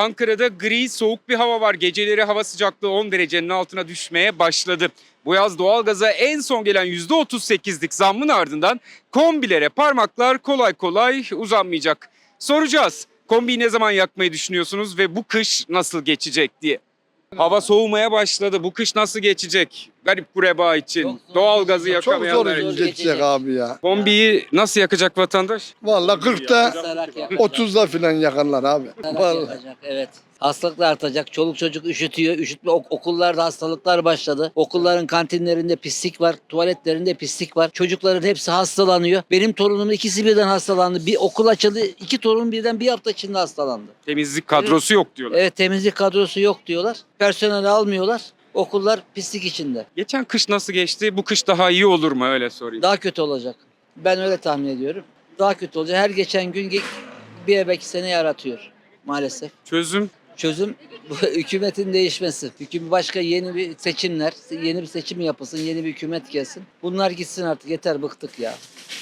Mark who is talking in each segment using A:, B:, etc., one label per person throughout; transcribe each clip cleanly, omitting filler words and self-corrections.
A: Ankara'da gri, soğuk bir hava var. Geceleri hava sıcaklığı 10 derecenin altına düşmeye başladı. Bu yaz doğalgaza en son gelen %38'lik zammın ardından kombilere parmaklar kolay kolay uzanmayacak. Soracağız. Kombiyi ne zaman yakmayı düşünüyorsunuz ve bu kış nasıl geçecek diye. Hava soğumaya başladı. Bu kış nasıl geçecek? Garip kureba için, doğalgazı
B: Çok zor
A: yakamayanlar için.
B: geçecek abi ya.
A: Kombiyi nasıl yakacak vatandaş?
B: Vallahi 40'ta
C: Kısarak yakacak.
B: 30'da falan yakarlar abi.
C: Kısarak
B: Vallahi.
C: yakacak, evet. Hastalıklar artacak. Çoluk çocuk üşütüyor. Üşütme okullarda hastalıklar başladı. Okulların kantinlerinde pislik var. Tuvaletlerinde pislik var. Çocukların hepsi hastalanıyor. Benim torunumun ikisi birden hastalandı. Bir okul açıldı. İki torunum birden bir hafta içinde hastalandı.
A: Temizlik kadrosu yok diyorlar.
C: Evet, temizlik kadrosu yok diyorlar. Personel almıyorlar. Okullar pislik içinde.
A: Geçen kış nasıl geçti? Bu kış daha iyi olur mu? Öyle sorayım.
C: Daha kötü olacak. Ben öyle tahmin ediyorum. Daha kötü olacak. Her geçen gün bir belki sene yaratıyor maalesef.
A: Çözüm.
C: Çözüm bu hükümetin değişmesi. Başka yeni bir seçimler, yeni bir seçim yapılsın, yeni bir hükümet gelsin. Bunlar gitsin artık, yeter, bıktık ya.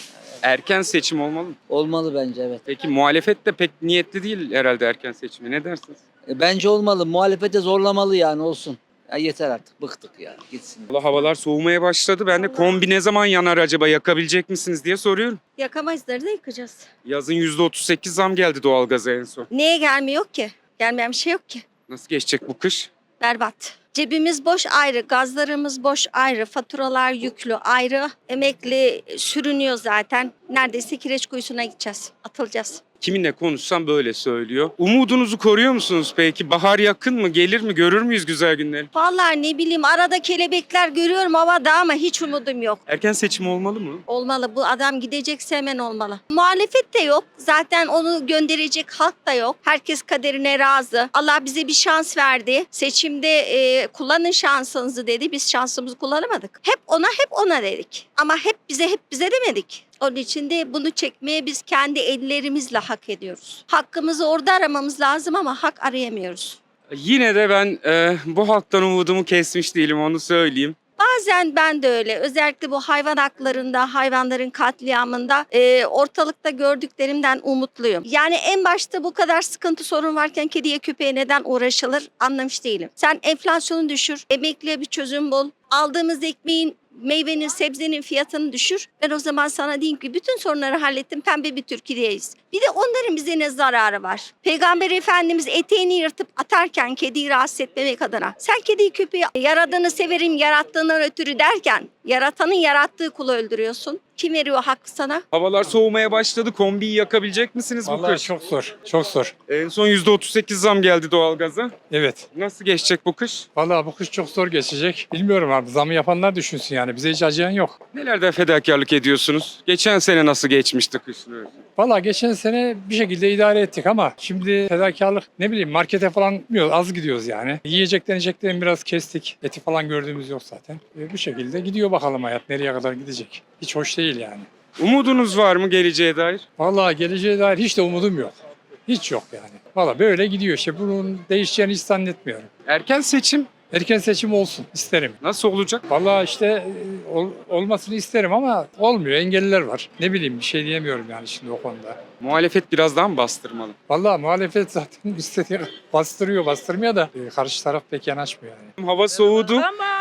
A: Erken seçim olmalı mı?
C: Olmalı bence, evet.
A: Peki muhalefet de pek niyetli değil herhalde erken seçime. Ne dersiniz?
C: Bence olmalı. Muhalefete zorlamalı yani, olsun. Ya yeter artık, bıktık ya, gitsin.
A: Valla havalar soğumaya başladı. Ben de kombi ne zaman yanar acaba, yakabilecek misiniz diye soruyorum.
D: Yakamayızları da yıkacağız.
A: Yazın %38 zam geldi doğalgaza en son.
D: Niye gelmiyor ki? Gelmeyen bir şey yok ki.
A: Nasıl geçecek bu kış?
D: Berbat. Cebimiz boş ayrı, gazlarımız boş ayrı, faturalar yüklü ayrı. Emekli sürünüyor zaten. Neredeyse kireç kuyusuna gideceğiz, atılacağız.
A: Kiminle konuşsam böyle söylüyor. Umudunuzu koruyor musunuz peki? Bahar yakın mı? Gelir mi? Görür müyüz güzel günleri?
D: Vallahi ne bileyim, arada kelebekler görüyorum havada ama hiç umudum yok.
A: Erken seçim olmalı mı?
D: Olmalı, bu adam gidecekse hemen olmalı. Muhalefet de yok. Zaten onu gönderecek halk da yok. Herkes kaderine razı. Allah bize bir şans verdi. Seçimde kullanın şansınızı dedi. Biz şansımızı kullanamadık. Hep ona dedik. Ama hep bize demedik. Onun için de bunu çekmeye biz kendi ellerimizle hak ediyoruz. Hakkımızı orada aramamız lazım ama hak arayamıyoruz.
A: Yine de ben bu halktan umudumu kesmiş değilim, onu söyleyeyim.
D: Bazen ben de öyle. Özellikle bu hayvan haklarında, hayvanların katliamında ortalıkta gördüklerimden umutluyum. Yani en başta bu kadar sıkıntı sorun varken kediye köpeğe neden uğraşılır anlamış değilim. Sen enflasyonu düşür, emekliye bir çözüm bul. Aldığımız ekmeğin, meyvenin, sebzenin fiyatını düşür. Ben o zaman sana diyeyim ki bütün sorunları hallettim, pembe bir Türkiye'deyiz. Bir de onların bize ne zararı var? Peygamber Efendimiz eteğini yırtıp atarken kediyi rahatsız etmemek adına. Sen kediyi köpeği yaradığını severim, yarattığından ötürü derken yaratanın yarattığı kulu öldürüyorsun. Kim veriyor hakkı sana?
A: Havalar soğumaya başladı. Kombiyi yakabilecek misiniz bu
E: Vallahi
A: kış?
E: çok zor. Çok zor.
A: En son %38 zam geldi doğalgaza.
E: Evet.
A: Nasıl geçecek bu kış?
E: Vallahi bu kış çok zor geçecek. Bilmiyorum abi. Zamı yapanlar düşünsün yani. Bize hiç acıyan yok.
A: Nelerde fedakarlık ediyorsunuz? Geçen sene nasıl geçmişti kışın?
E: Vallahi geçen sene bir şekilde idare ettik ama şimdi fedakarlık, ne bileyim, markete falan gitmiyoruz. Az gidiyoruz yani. Yiyecekten içecekten biraz kestik. Eti falan gördüğümüz yok zaten. Bu şekilde gidiyor bakalım hayat. Nereye kadar gidecek? Hiç hoş değil yani.
A: Umudunuz var mı geleceğe dair?
E: Vallahi geleceğe dair hiç de umudum yok. Hiç yok yani. Vallahi böyle gidiyor. İşte bunun değişeceğini hiç zannetmiyorum.
A: Erken seçim
E: Erken seçim olsun isterim.
A: nasıl olacak?
E: Vallahi işte olmasını isterim ama olmuyor. Engelliler var. Ne bileyim, bir şey diyemiyorum yani şimdi o konuda.
A: Muhalefet biraz daha mı bastırmalı?
E: Vallahi muhalefet zaten istediği bastırmıyor da karşı taraf pek yanaşmıyor yani.
A: Hava soğudu.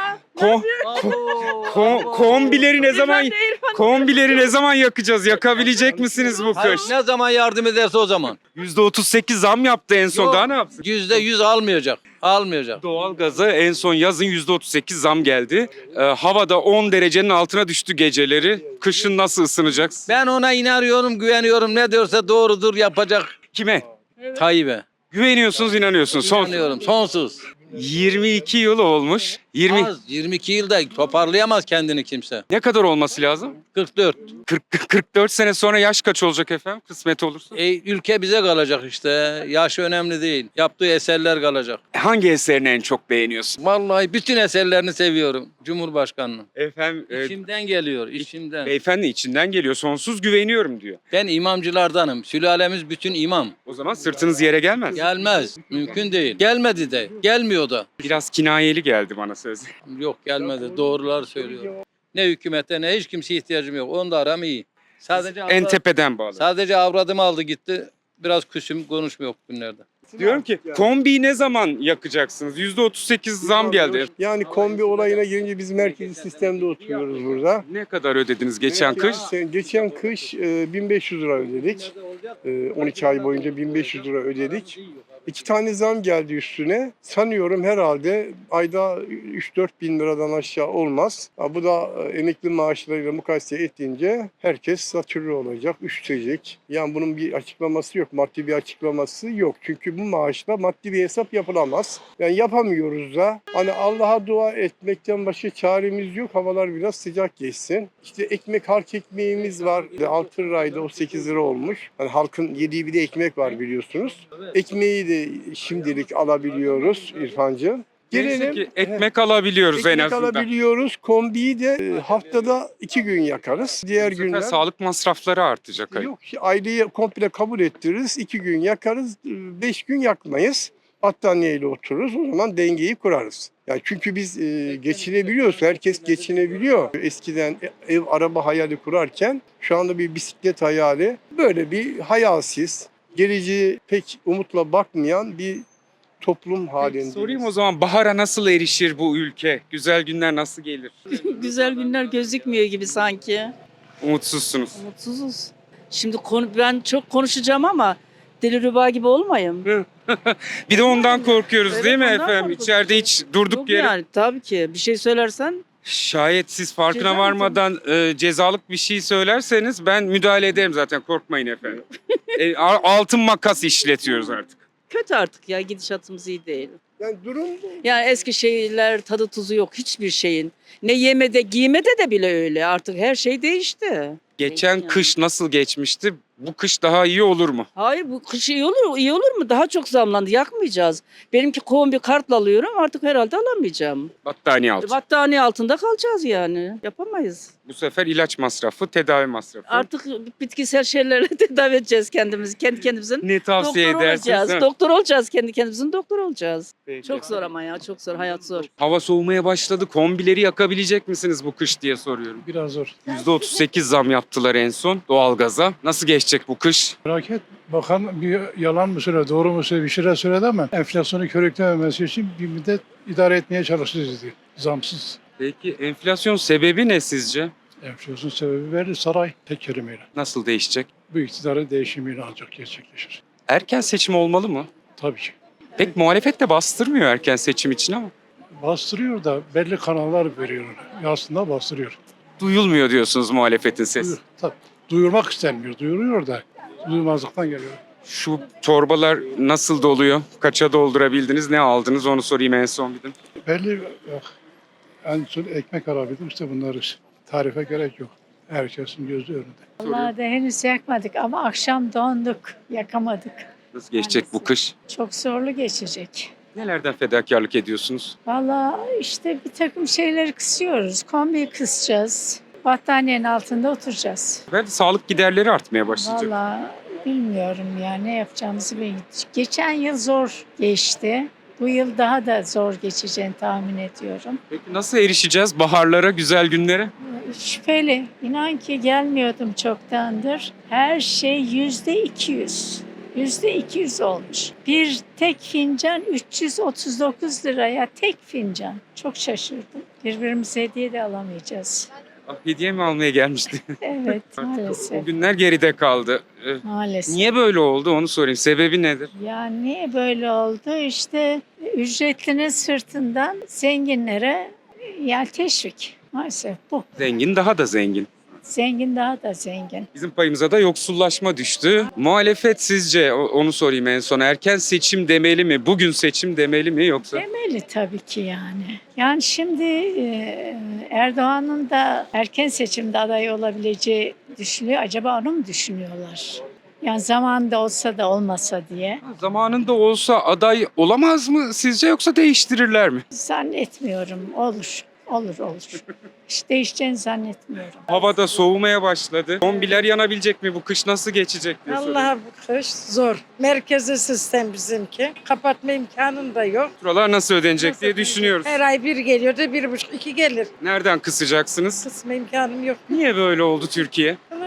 A: Ko- kombileri ne zaman yakacağız? Yakabilecek misiniz bu
F: Hayır,
A: kış?
F: ne zaman yardım ederse o zaman.
A: %38 zam yaptı en son.
F: Yok.
A: Daha ne yapsın?
F: %100 almayacak. Almayacak.
A: Doğalgaza en son yazın %38 zam geldi. Havada 10 derecenin altına düştü geceleri. Kışın nasıl ısınacaksın?
F: Ben ona inanıyorum, güveniyorum. Ne diyorsa doğrudur, yapacak.
A: Kime?
F: Tayyip'e.
A: Güveniyorsunuz, inanıyorsunuz. Son
F: İnanıyorum, sonsuz.
A: 22 yıl olmuş. 20
F: Az, 22 yılda toparlayamaz kendini kimse.
A: ne kadar olması lazım?
F: 44.
A: 44 sene sonra yaş kaç olacak efendim? Kısmet olursa.
F: Ülke bize kalacak işte. Yaş önemli değil. Yaptığı eserler kalacak.
A: Hangi eserini en çok beğeniyorsun?
F: Vallahi bütün eserlerini seviyorum. Cumhurbaşkanının.
A: Efendim
F: İçimden geliyor, içimden.
A: beyefendi içinden geliyor. Sonsuz güveniyorum diyor.
F: Ben imamcılardanım. Sülalemiz bütün imam.
A: O zaman sırtınız yere gelmez.
F: Gelmez. Mümkün değil. Gelmedi de. Gelmiyor da.
A: Biraz kinayeli geldi bana söz.
F: Yok, gelmedi. Doğrular söylüyor. Ne hükümete ne hiç kimseye ihtiyacım yok. Onda aram iyi. Sadece
A: En tepeden bağlı.
F: sadece avradımı aldı gitti. Biraz küsüm, konuşmuyor günlerde.
A: Diyorum ki kombiyi ne zaman yakacaksınız? %38 zam geldi.
G: Yani kombi olayına gelince biz merkezi sistemde oturuyoruz burada.
A: Ne kadar ödediniz geçen kış?
G: Geçen kış 1500 lira ödedik. 12 ay boyunca 1500 lira ödedik. 2 tane zam geldi üstüne. Sanıyorum herhalde ayda 3-4 bin liradan aşağı olmaz. Bu da emekli maaşlarıyla mukayese ettiğince herkes satürre olacak, üşütecek. Yani bunun bir açıklaması yok, maddi bir açıklaması yok. Çünkü bu maaşla maddi bir hesap yapılamaz. Yani yapamıyoruz da. Hani Allah'a dua etmekten başka çaremiz yok. Havalar biraz sıcak geçsin. İşte ekmek, halk ekmeğimiz var. 6 liraydı, o 8 lira olmuş. Hani halkın yediği bir de ekmek var biliyorsunuz. Ekmeği de şimdilik alabiliyoruz İrfancığım.
A: Neyse ki ekmek alabiliyoruz en
G: Ekmek
A: azından.
G: alabiliyoruz. Kombiyi de haftada 2 gün yakarız. Diğer
A: Bu sefer
G: günler
A: sağlık masrafları artacak.
G: yok. Aileyi komple kabul ettiririz. 2 gün yakarız. 5 gün yakmayız. Battaniyeyle otururuz. O zaman dengeyi kurarız. Yani çünkü biz geçinebiliyoruz. Herkes geçinebiliyor. Eskiden ev, araba hayali kurarken şu anda bir bisiklet hayali. Böyle bir hayalsiz, geleceğe pek umutla bakmayan bir toplum halinde.
A: Sorayım o zaman, bahara nasıl erişir bu ülke? Güzel günler nasıl gelir?
H: Güzel günler gözükmüyor gibi sanki.
A: Umutsuzsunuz.
H: Mutsuzuz. Şimdi ben çok konuşacağım ama Dilruba gibi olmayayım.
A: Bir de ondan korkuyoruz
H: Evet,
A: değil mi
H: ondan
A: efendim?
H: korkuyoruz.
A: İçeride hiç durduk
H: Yok
A: yere.
H: yani tabii ki bir şey söylersen
A: Şayet siz farkına
H: Ceza mı
A: varmadan cezalık bir şey söylerseniz ben müdahale ederim zaten, korkmayın efendim. Altın makas işletiyoruz artık.
H: kötü artık ya, gidişatımız iyi değil.
G: Yani durum bu.
H: Yani eski şeyler tadı tuzu yok hiçbir şeyin. Ne yemede giymede de bile öyle, artık her şey değişti.
A: Geçen
H: Yani.
A: kış nasıl geçmişti? Bu kış daha iyi olur mu?
H: Hayır, bu kış iyi olur mu? Daha çok zamlandı, yakmayacağız. Benimki kombi kartla alıyorum, artık herhalde alamayacağım.
A: Battaniye altı.
H: Battaniye altında kalacağız yani, yapamayız.
A: Bu sefer ilaç masrafı, tedavi masrafı.
H: Artık bitkisel şeylerle tedavi edeceğiz kendimizi. Kendi kendimizin
A: Ne tavsiye
H: doktor
A: edersiniz?
H: olacağız.
A: değil mi?
H: Doktor olacağız. Kendi kendimizin doktor olacağız.
A: Peki.
H: Çok zor ama ya. Çok zor. Hayat zor.
A: Hava soğumaya başladı. Kombileri yakabilecek misiniz bu kış diye soruyorum.
E: Biraz zor.
A: %38 zam yaptılar en son doğalgaza. Nasıl geçecek bu kış?
E: Merak et. Bakan bir yalan mı söyledi, doğru mu söyledi, bir şeyler söyledi ama enflasyonu körüklememesi için bir müddet idare etmeye çalışacağız diyor. Zamsız.
A: Peki enflasyon sebebi ne sizce?
E: Enflasyon sebebi verdi saray tek kelimeyle.
A: Nasıl değişecek?
E: Bu iktidarın değişimiyle ancak gerçekleşir.
A: Erken seçim olmalı mı?
E: Tabii ki.
A: Pek muhalefet de bastırmıyor erken seçim için ama.
E: Bastırıyor da belli kanallar veriyor ona. Aslında bastırıyor.
A: Duyulmuyor diyorsunuz muhalefetin sesi.
E: Tabii. Duyurmak istenmiyor. Duyuruyor da duymazlıktan geliyor.
A: Şu torbalar nasıl doluyor? Kaça doldurabildiniz? Ne aldınız? Onu sorayım en son bir de.
E: Belli yok. En son ekmek alabildim. İşte bunları tarife gerek yok. Herkesin gözü önünde.
I: Vallahi de henüz yakmadık ama akşam donduk, yakamadık.
A: Nasıl geçecek bu kış?
I: Çok zorlu geçecek.
A: Nelerden fedakarlık ediyorsunuz?
I: Vallahi işte bir takım şeyleri kısıyoruz. Kombiyi kısacağız. Battaniyenin altında oturacağız.
A: Ve sağlık giderleri artmaya başlayacak.
I: Vallahi bilmiyorum ya ne yapacağımızı bilmiyorum. Geçen yıl zor geçti. Bu yıl daha da zor geçeceğini tahmin ediyorum.
A: Peki nasıl erişeceğiz baharlara, güzel günlere?
I: Şüpheli. İnan ki gelmiyordum çoktandır. Her şey %200. %200 olmuş. Bir tek fincan 339 liraya tek fincan. Çok şaşırdım. Birbirimize hediye de alamayacağız.
A: Ah, hediye mi almaya gelmişti?
I: Evet
A: O
I: maalesef.
A: günler geride kaldı.
I: Maalesef.
A: Niye böyle oldu onu sorayım. Sebebi nedir?
I: Ya niye böyle oldu? İşte ücretlinin sırtından zenginlere yani teşvik. Maalesef bu.
A: Zengin daha da zengin.
I: Zengin daha da zengin.
A: Bizim payımıza da yoksullaşma düştü. Muhalefet sizce, onu sorayım en son, erken seçim demeli mi? Bugün seçim demeli mi yoksa?
I: Demeli tabii ki yani. Yani şimdi Erdoğan'ın da erken seçimde aday olabileceği düşünülüyor. Acaba onu mu düşünüyorlar? Yani zamanında olsa da olmasa diye.
A: Zamanında olsa aday olamaz mı sizce, yoksa değiştirirler mi?
I: Zannetmiyorum. Olur. Olur. Hiç değişeceğini zannetmiyorum.
A: Havada soğumaya başladı. Kombiler yanabilecek mi? Bu kış nasıl geçecek diye soruyorum.
J: Vallahi bu kış zor. Merkezi sistem bizimki. Kapatma imkanın da yok.
A: Buralar nasıl ödenecek
J: Nasıl
A: diye
J: ödenecek?
A: düşünüyoruz.
J: Her ay bir geliyor da 1,5-2 gelir.
A: Nereden kısacaksınız?
J: Kısma imkanım yok.
A: Niye böyle oldu Türkiye?
J: Ama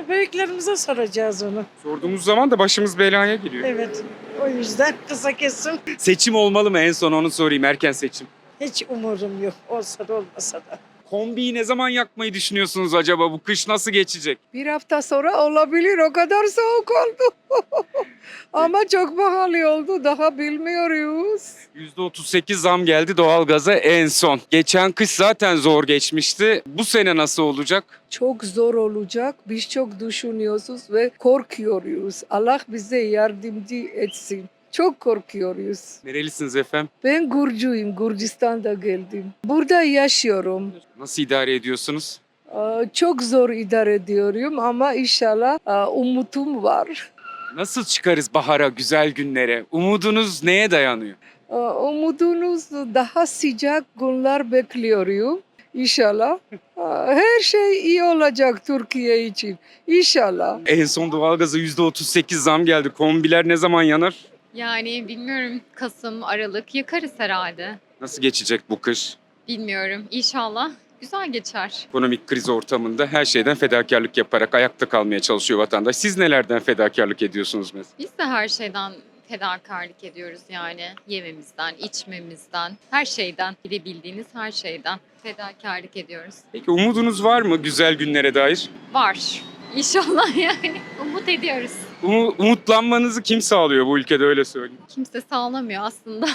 J: Büyüklerimize soracağız onu.
A: Sorduğumuz zaman da başımız belaya giriyor.
J: Evet. O yüzden kısa kesim.
A: Seçim olmalı mı? En son onu sorayım. Erken seçim.
J: Hiç umurum yok. Olsa da olmasa da.
A: Kombiyi ne zaman yakmayı düşünüyorsunuz acaba? Bu kış nasıl geçecek?
J: Bir hafta sonra olabilir. O kadar soğuk oldu. Ama çok pahalı oldu. Daha bilmiyoruz.
A: %38 zam geldi doğalgaza en son. Geçen kış zaten zor geçmişti. Bu sene nasıl olacak?
J: Çok zor olacak. Biz çok düşünüyoruz ve korkuyoruz. Allah bize yardımcı etsin. Çok korkuyoruz.
A: Nerelisiniz efendim?
J: Ben Gürcüyüm. Gürcistan'da geldim. Burada yaşıyorum.
A: Nasıl idare ediyorsunuz?
J: Çok zor idare ediyorum ama inşallah umutum var.
A: Nasıl çıkarız bahara, güzel günlere? Umudunuz neye dayanıyor?
J: Umudunuz daha sıcak günler bekliyorum. İnşallah. Her şey iyi olacak Türkiye için. İnşallah.
A: En son doğalgaza %38 zam geldi. Kombiler ne zaman yanar?
K: Yani bilmiyorum, Kasım, Aralık yakarız herhalde.
A: Nasıl geçecek bu kış?
K: Bilmiyorum. İnşallah güzel geçer.
A: Ekonomik kriz ortamında her şeyden fedakarlık yaparak ayakta kalmaya çalışıyor vatandaş. Siz nelerden fedakarlık ediyorsunuz mesela?
K: Biz de her şeyden fedakarlık ediyoruz yani. Yememizden, içmemizden, her şeyden, bilebildiğiniz her şeyden fedakarlık ediyoruz.
A: Peki umudunuz var mı güzel günlere dair?
K: Var. İnşallah yani. Umut ediyoruz.
A: Umutlanmanızı kim sağlıyor bu ülkede öyle söyleyeyim.
K: Kimse sağlamıyor aslında.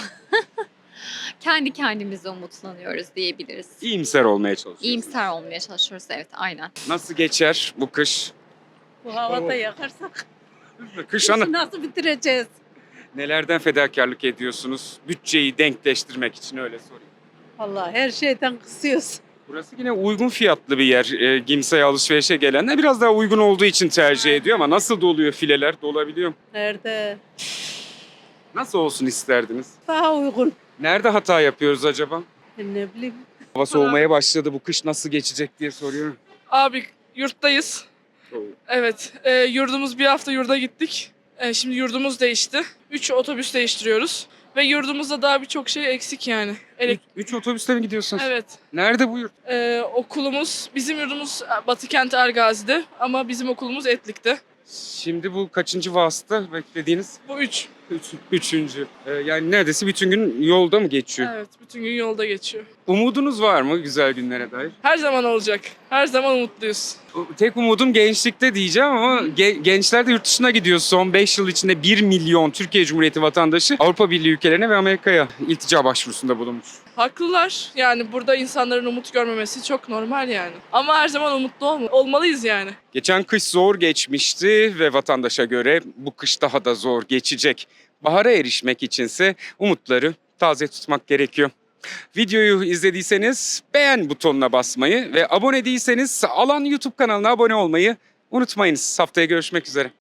K: Kendi kendimize umutlanıyoruz diyebiliriz.
A: İyimser olmaya çalışıyoruz.
K: İyimser olmaya çalışıyoruz, evet, aynen.
A: Nasıl geçer bu kış?
H: Bu havada yakarsak
A: Kış ana.
H: nasıl bitireceğiz?
A: Nelerden fedakarlık ediyorsunuz? Bütçeyi denkleştirmek için öyle sorayım.
H: Vallahi her şeyden kısıyoruz.
A: Burası yine uygun fiyatlı bir yer. Gimse'ye alışverişe gelenler biraz daha uygun olduğu için tercih ediyor ama nasıl doluyor fileler? Dolabiliyor mu?
H: Nerede?
A: Nasıl olsun isterdiniz?
H: Daha uygun.
A: Nerede hata yapıyoruz acaba?
H: Ne bileyim.
A: Hava soğumaya başladı. Bu kış nasıl geçecek diye soruyorum.
L: Abi yurttayız. Evet. Yurdumuz bir hafta yurda gittik. Şimdi yurdumuz değişti. 3 otobüs değiştiriyoruz. Ve yurdumuzda daha birçok şey eksik yani.
A: Üç otobüste mi gidiyorsunuz?
L: Evet.
A: Nerede bu yurt?
L: Okulumuz, bizim yurdumuz Batıkent Ergazi'de ama bizim okulumuz Etlik'te.
A: Şimdi bu kaçıncı vasıta beklediğiniz?
L: Bu 3.
A: Üçüncü. Yani neredeyse bütün gün yolda mı geçiyor?
L: Evet, bütün gün yolda geçiyor.
A: Umudunuz var mı güzel günlere dair?
L: Her zaman olacak. Her zaman umutluyuz.
A: Tek umudum gençlikte diyeceğim ama gençler de yurt dışına gidiyor. Son 5 yıl içinde 1 milyon Türkiye Cumhuriyeti vatandaşı Avrupa Birliği ülkelerine ve Amerika'ya iltica başvurusunda bulunmuş.
L: Haklılar. Yani burada insanların umut görmemesi çok normal yani. Ama her zaman umutlu olmalıyız yani.
A: Geçen kış zor geçmişti ve vatandaşa göre bu kış daha da zor geçecek. Bahara erişmek içinse umutları taze tutmak gerekiyor. Videoyu izlediyseniz beğen butonuna basmayı ve abone değilseniz Alan YouTube kanalına abone olmayı unutmayınız. Haftaya görüşmek üzere.